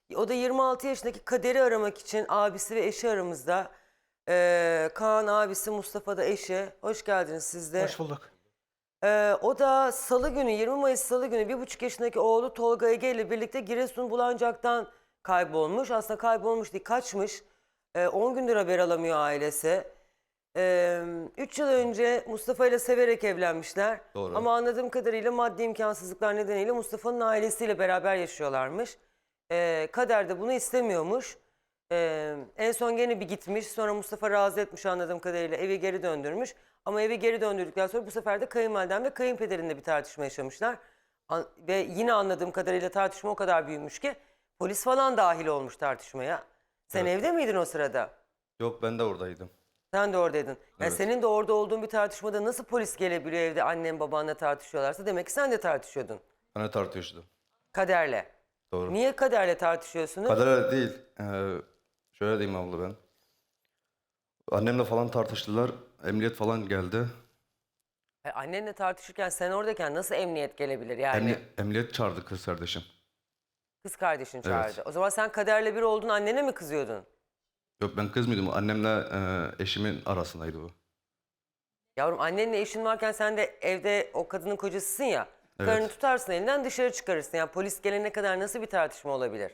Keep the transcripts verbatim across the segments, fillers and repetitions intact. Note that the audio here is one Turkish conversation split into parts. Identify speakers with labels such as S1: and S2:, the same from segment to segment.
S1: O da yirmi altı yaşındaki Kader'i aramak için abisi ve eşi aramızda. Ee, Kaan abisi, Mustafa da eşi. Hoş geldiniz siz de.
S2: Hoş bulduk.
S1: Ee, o da salı günü, yirmi Mayıs salı günü bir buçuk yaşındaki oğlu Tolga Ege ile birlikte Giresun Bulancak'tan kaybolmuş. Aslında kaybolmuş değil, kaçmış. Ee, on gündür haber alamıyor ailesi. Ee, üç yıl önce Mustafa ile severek evlenmişler.
S3: Doğru.
S1: Ama anladığım kadarıyla maddi imkansızlıklar nedeniyle Mustafa'nın ailesiyle beraber yaşıyorlarmış. Ee, Kader de bunu istemiyormuş. Ee, en son gene bir gitmiş. Sonra Mustafa razı etmiş anladığım kadarıyla. Evi geri döndürmüş. Ama evi geri döndürdükten sonra bu sefer de kayınvalidem ve kayınpederinle bir tartışma yaşamışlar. An- ve yine anladığım kadarıyla tartışma o kadar büyümüş ki polis falan dahil olmuş tartışmaya. Sen
S3: Evet.
S1: evde miydin o sırada?
S3: Yok, ben de oradaydım.
S1: Sen de oradaydın. Yani
S3: Evet.
S1: senin de orada olduğun bir tartışmada nasıl polis gelebiliyor evde annen babanla tartışıyorlarsa demek ki sen de tartışıyordun.
S3: Ben de tartışıyordum.
S1: Kaderle.
S3: Doğru.
S1: Niye Kaderle tartışıyorsunuz?
S3: Kader değil. Ee, şöyle diyeyim abla ben. Annemle falan tartıştılar. Emniyet falan geldi.
S1: E, annenle tartışırken sen oradayken nasıl emniyet gelebilir yani?
S3: Emni- emniyet çağırdı kız kardeşim.
S1: Kız kardeşin çağırdı.
S3: Evet.
S1: O zaman sen Kaderle bir oldun, annene mi kızıyordun?
S3: Yok, ben kız mıydım? Annemle e, eşimin arasındaydı bu.
S1: Yavrum annenle eşin varken sen de evde o kadının kocasısın ya.
S3: Evet.
S1: Karını tutarsın elinden dışarı çıkarırsın. Yani polis gelene kadar nasıl bir tartışma olabilir?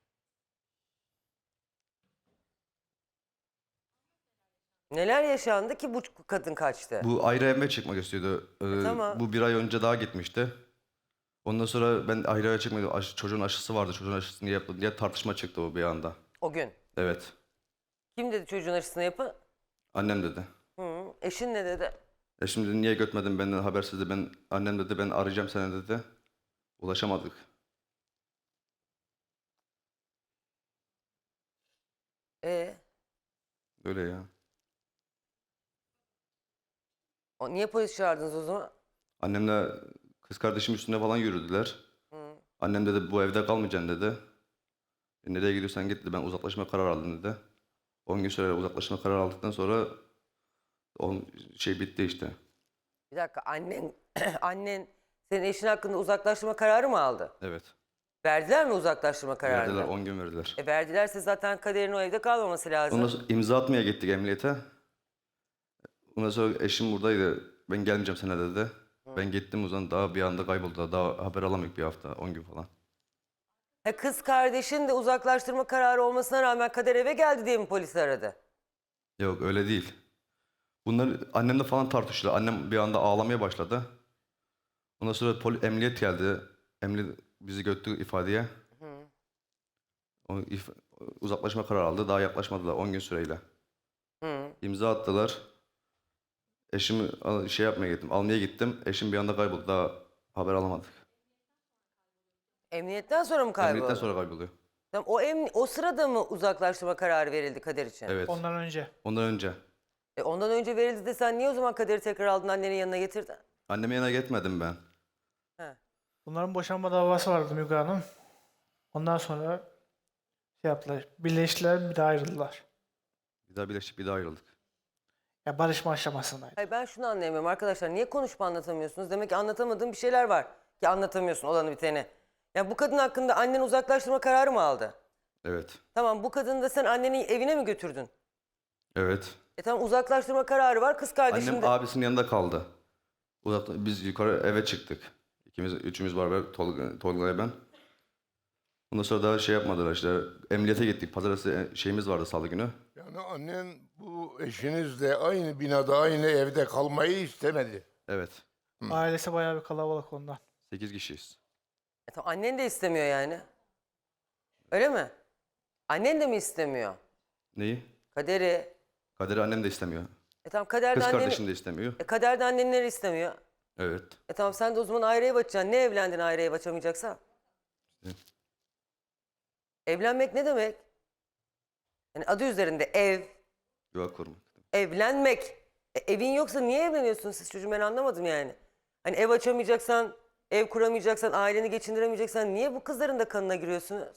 S1: Neler yaşandı ki bu kadın kaçtı?
S3: Bu ayrı evime çıkmak istiyordu. Ee,
S1: tamam.
S3: Bu bir ay önce daha gitmişti. Ondan sonra ben ayrı eve çıkmadım. Aşı- çocuğun aşısı vardı. Çocuğun aşısını niye yapmadın diye tartışma çıktı o bir anda.
S1: O gün.
S3: Evet.
S1: Kim dedi çocuğun aşısını yapın?
S3: Annem dedi.
S1: Hı. Eşin ne dedi?
S3: E şimdi dedi, niye götmedin benden habersiz dedi. Ben, annem dedi ben arayacağım seni dedi. Ulaşamadık.
S1: E,
S3: Öyle ya.
S1: o, niye polis çağırdınız o zaman?
S3: Annemle kız kardeşim üstünde falan yürüdüler. Annem dedi bu evde kalmayacaksın dedi. E, nereye gidiyorsan git dedi. Ben uzaklaşma kararı aldım dedi. on gün süre uzaklaşma kararı aldıktan sonra on şey bitti işte.
S1: Bir dakika annen annen senin eşin hakkında uzaklaştırma kararı mı aldı?
S3: Evet.
S1: Verdiler mi uzaklaştırma kararını?
S3: Verdiler, on gün verdiler.
S1: E verdilerse zaten Kader'in o evde kalmaması lazım.
S3: Ondan sonra imza atmaya gittik emniyete. Ondan sonra eşim buradaydı. Ben gelmeyeceğim sana dedi. Ben gittim o zaman daha bir anda kayboldu. Daha haber alamadık bir hafta, on gün falan.
S1: Ha, kız kardeşin de uzaklaştırma kararı olmasına rağmen Kader eve geldi diye mi polis aradı?
S3: Yok öyle değil. Bunlar annemle falan tartıştılar. Annem bir anda ağlamaya başladı. Ondan sonra poli, emniyet geldi. Emniyet bizi götürdü ifadeye. O if- uzaklaşma kararı aldı. Daha yaklaşmadılar on gün süreyle.
S1: Hı.
S3: İmza attılar. Eşimi al- şey yapmaya gittim. Almaya gittim. Eşim bir anda kayboldu. Daha haber alamadık.
S1: Emniyetten sonra mı kayboldu?
S3: Emniyetten sonra kayboluyor.
S1: Tamam, o, emni- o sırada mı uzaklaştırma kararı verildi Kader için?
S3: Evet.
S2: Ondan önce.
S3: Ondan önce.
S1: E, ondan önce verildi de sen niye o zaman Kader'i tekrar aldın annenin yanına getirdin?
S3: Anneme yana gitmedim ben.
S1: He.
S2: Bunların boşanma davası vardı Müge Hanım. Ondan sonra şey yaptılar. Birleştiler bir daha ayrıldılar.
S3: Bir daha birleştik, bir daha ayrıldık.
S2: Ya barışma aşamasındaydı.
S1: Hayır ben şunu anlayamıyorum arkadaşlar. Niye konuşup anlatamıyorsunuz? Demek ki anlatamadığım bir şeyler var. Ki anlatamıyorsun olanı biteni. Ya bu kadın hakkında annen uzaklaştırma kararı mı aldı?
S3: Evet.
S1: Tamam bu kadını da sen annenin evine mi götürdün?
S3: Evet.
S1: E tamam uzaklaştırma kararı var kız kardeşin
S3: Annem
S1: de...
S3: abisinin yanında kaldı. Uzakta, biz yukarı eve çıktık. İkimiz, üçümüz var ve Tolga, Tolga'ya ben. Ondan sonra daha şey yapmadılar işte. Emniyete gittik. Pazartesi şeyimiz vardı salı günü.
S4: Yani annen bu eşinizle aynı binada, aynı evde kalmayı istemedi.
S3: Evet.
S2: Ailesi bayağı bir kalabalık ondan.
S3: Sekiz kişiyiz.
S1: E tamam annen de istemiyor yani. Öyle mi? Annen de mi istemiyor?
S3: Neyi?
S1: Kader'i.
S3: Kader'i annem de istemiyor.
S1: E tamam Kader de
S3: Kız
S1: anneni...
S3: kardeşim de istemiyor.
S1: E Kader de annenleri istemiyor.
S3: Evet.
S1: E tamam sen de o zaman ayrı ev açacaksın. Ne evlendin ayrı ev açamayacaksan?
S3: Evet.
S1: Evlenmek ne demek? Yani adı üzerinde ev,
S3: Yuva kurmak.
S1: evlenmek. E, evin yoksa niye evleniyorsunuz siz çocuğum ben anlamadım yani. Hani ev açamayacaksan, ev kuramayacaksan, aileni geçindiremeyeceksen niye bu kızların da kanına giriyorsunuz?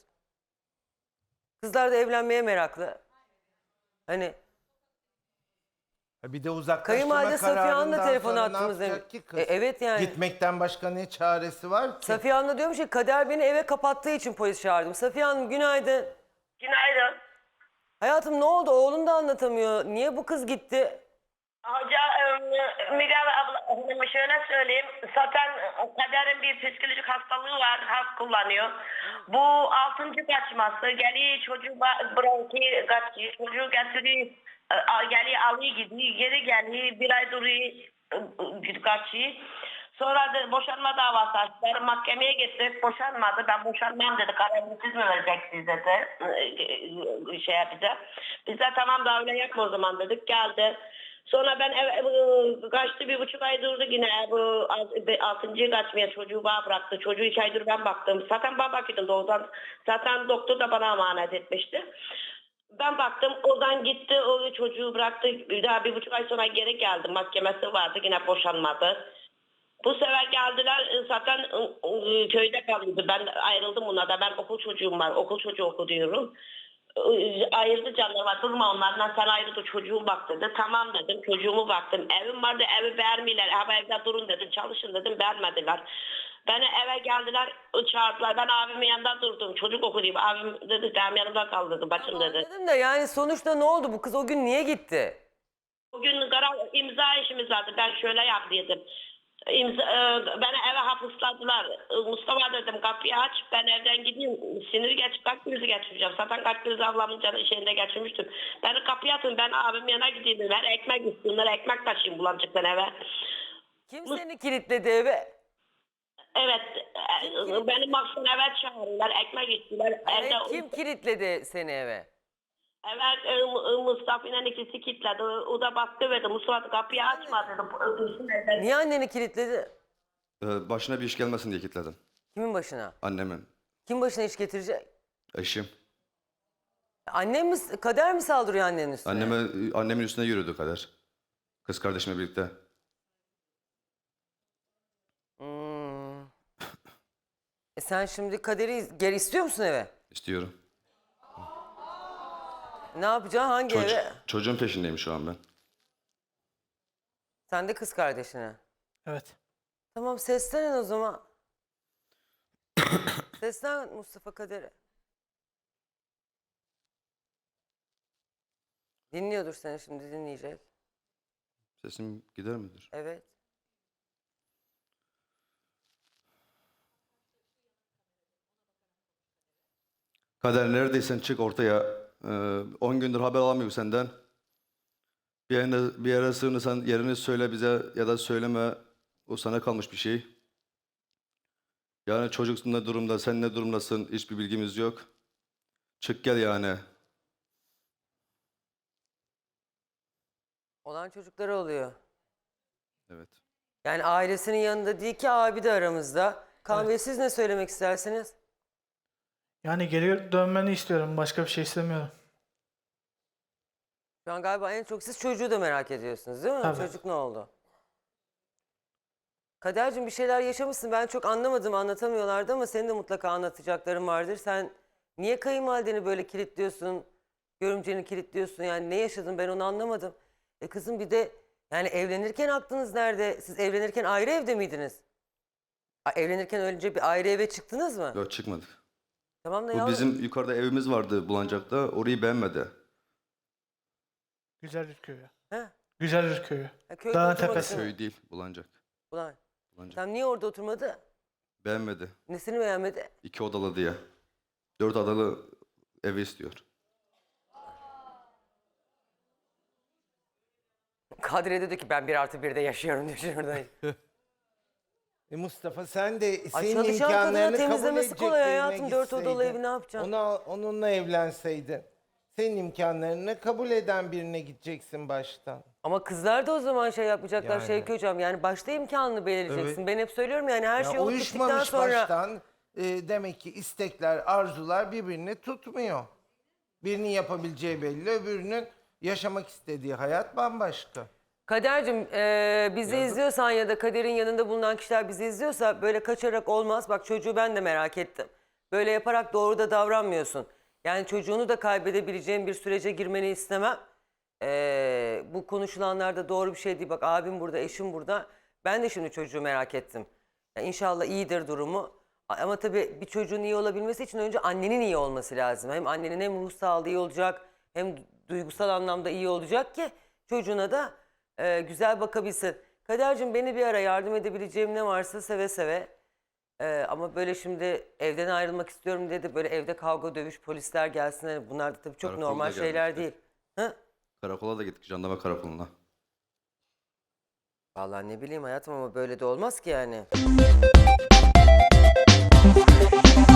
S1: Kızlar da evlenmeye meraklı. Hani
S5: Bir de uzaklaştırma
S1: Kayınvalide Safiye Hanım'la
S5: kararından
S1: telefon
S5: sonra ne
S1: attınız demiş.
S5: yapacak ki kız?
S1: E, evet yani.
S5: Gitmekten başka ne çaresi var ki?
S1: Safiye Hanım da diyormuş ki Kader beni eve kapattığı için polis çağırdım. Safiye Hanım günaydın.
S6: Günaydın.
S1: Hayatım ne oldu? Oğlun da anlatamıyor. Niye bu kız gitti?
S6: Hoca, e, Müge abla, hanıma şöyle söyleyeyim. Zaten Kader'in bir psikolojik hastalığı var, hap kullanıyor. Bu altıncı kaçması, geliyor çocuğu bırakıyor, kaçıyor, çocuğu getiriyor, e, al- geliyor alıyor gidiyor, geri geliyor, bir ay duruyor, e, kaçıyor. Sonra da boşanma davası açtılar. Mahkemeye gittik. Boşanmadı. Ben boşanmam dedi. Kararını siz mi vereceksiniz dedi. Ee, Şey yapacağım. Biz de tamam da öyle yapma o zaman dedik. Geldi. Sonra ben ev, ev- kaçtı bir buçuk ay durdu yine. Bu altıncıyı kaçmaya çocuğu bana bıraktı. Çocuğu iki aydır ben baktım. Zaten ben bakıyordum doğudan. Zaten doktor da bana emanet etmişti. Ben baktım oradan gitti o çocuğu bıraktı. Bir daha bir buçuk ay sonra geri geldi. Mahkemesi vardı yine boşanmadı. Bu sefer geldiler zaten ı, ı, köyde kalıyordu. Ben ayrıldım bunlardan. Ben okul çocuğum var. Okul çocuğu oku diyorum. Ü, Ayırdı canlarıma. Durma onlardan sen ayrıldı çocuğum bak dedi. Tamam dedim çocuğumu baktım. Evim vardı evi beğenmiyorlar. Ama evde durun dedim. Çalışın dedim beğenmediler. Beni eve geldiler çağırdılar. Ben abimin yanında durdum. Çocuk oku diyeyim. Abim dedi benim yanımda kal dedi. Bacım dedi.
S1: Anladım da yani sonuçta ne oldu? Bu kız o gün niye gitti?
S6: Bugün karar imza işimiz vardı. Ben şöyle yap dedim. İmza, e, beni eve hapısladılar. E, Mustafa dedim kapıyı aç ben evden gideyim. Sinir geç kalp krizi geçireceğim. Zaten kalp krizi ablamın canı şeyinde geçirmiştim. Beni kapıya atın ben abim yana gideyim. Ben ekmek istiyorlar ekmek taşıyayım bulanacaktan eve.
S1: Kim seni kilitledi eve?
S6: Evet e, beni maksın eve çağırıyorlar ekmek istiyorlar.
S1: Hayır,
S6: Evde,
S1: kim kilitledi seni eve?
S6: Evet e, Mu- Mustafa'nın ikisi kilitledi. O da baktı ve de Mustafa kapıyı açma dedi.
S1: Niye anneni kilitledi?
S3: Ee, başına bir iş gelmesin diye kilitledim.
S1: Kimin başına?
S3: Annemin,
S1: Kim başına iş getirecek?
S3: eşim.
S1: Annem mi, Kader mi saldırıyor annenin üstüne?
S3: Anneme, annemin üstüne yürüdü Kader. Kız kardeşimle birlikte.
S1: Hmm. E sen şimdi Kader'i geri istiyor musun eve?
S3: İstiyorum.
S1: Ne yapacaksın? Hangi
S3: Çoc-
S1: eve?
S3: çocuğun peşindeyim şu an ben.
S1: Sen de kız kardeşine.
S2: Evet.
S1: Tamam seslenin o zaman. Seslen Mustafa Kader'e. Dinliyordur seni şimdi dinleyecek.
S3: Sesim gider midir?
S1: Evet.
S3: Kader neredeysen çık ortaya. on gündür haber alamıyorum senden. Bir yere, bir yere sığınırsan yerini söyle bize ya da söyleme. O sana kalmış bir şey. Yani çocuksun ne durumda, sen ne durumdasın hiçbir bilgimiz yok. Çık gel yani.
S1: Olan çocukları oluyor.
S3: Evet.
S1: Yani ailesinin yanında değil ki abi de aramızda. Kaan Bey siz ne söylemek istersiniz?
S2: Yani geri dönmeni istiyorum. Başka bir şey istemiyorum.
S1: Şu an galiba en çok siz çocuğu da merak ediyorsunuz değil mi?
S2: Tabii.
S1: Çocuk ne oldu? Kadercim bir şeyler yaşamışsın. Ben çok anlamadım anlatamıyorlardı ama senin de mutlaka anlatacakların vardır. Sen niye kayınvalideni böyle kilitliyorsun? Görümceni kilitliyorsun yani ne yaşadın ben onu anlamadım. E kızım bir de yani evlenirken aklınız nerede? Siz evlenirken ayrı evde miydiniz? A, evlenirken önce bir ayrı eve çıktınız mı?
S3: Yok çıkmadık.
S1: Tamam da
S3: Bu
S1: yavrum.
S3: bizim yukarıda evimiz vardı Bulancak'ta. Orayı beğenmedi.
S2: Güzellik köyü.
S1: He?
S2: Güzellik köyü.
S1: Ha, köyde
S2: Dağın
S1: oturmadı
S2: tepesi.
S1: değil mi?
S3: Köy değil Bulancak.
S1: Ulan
S3: Bulancak.
S1: sen niye orada oturmadı?
S3: Beğenmedi.
S1: Nesini beğenmedi?
S3: İki odalı diye. Dört odalı evi istiyor.
S1: Kadriye dedi ki ben bir artı birde yaşıyorum diyor şurada.
S5: E Mustafa sen de
S1: Ay
S5: senin
S1: çalışan kadına
S5: imkanlarını kabul
S1: temizlemesi
S5: edecek
S1: kolay
S5: birine
S1: hayatım. Dört odalı
S5: gitseydin.
S1: evi ne yapacaksın?
S5: Ona, onunla evlenseydin. Senin imkanlarını kabul eden birine gideceksin baştan.
S1: Ama kızlar da o zaman şey yapacaklar
S5: Yani.
S1: Şevki Hocam. Yani başta imkanını belirleyeceksin.
S5: Evet.
S1: Ben hep söylüyorum yani her
S5: Ya
S1: şey olup bittikten
S5: uyuşmamış
S1: sonra.
S5: baştan e, demek ki istekler, arzular birbirini tutmuyor. Birinin yapabileceği belli, öbürünün yaşamak istediği hayat bambaşka.
S1: Kader'cim e, bizi izliyorsan ya da Kader'in yanında bulunan kişiler bizi izliyorsa böyle kaçarak olmaz. Bak çocuğu ben de merak ettim. Böyle yaparak doğru da davranmıyorsun. Yani çocuğunu da kaybedebileceğin bir sürece girmeni istemem. Ee, bu konuşulanlar da doğru bir şey değil. Bak abim burada, eşim burada. Ben de şimdi çocuğu merak ettim. Ya inşallah iyidir durumu. Ama tabii bir çocuğun iyi olabilmesi için önce annenin iyi olması lazım. Hem annenin hem ruh sağlığı iyi olacak, hem duygusal anlamda iyi olacak ki çocuğuna da e, güzel bakabilsin. Kadercim, beni bir ara yardım edebileceğim ne varsa seve seve. Ee, ama böyle şimdi evden ayrılmak istiyorum dedi. Böyle evde kavga, dövüş, polisler gelsin. Hani bunlar da tabii çok
S3: Karakolda
S1: normal şeyler
S3: gelmişti.
S1: değil. Hı?
S3: Karakola da gittik, jandarma karakoluna.
S1: Vallahi ne bileyim hayatım, ama böyle de olmaz ki yani.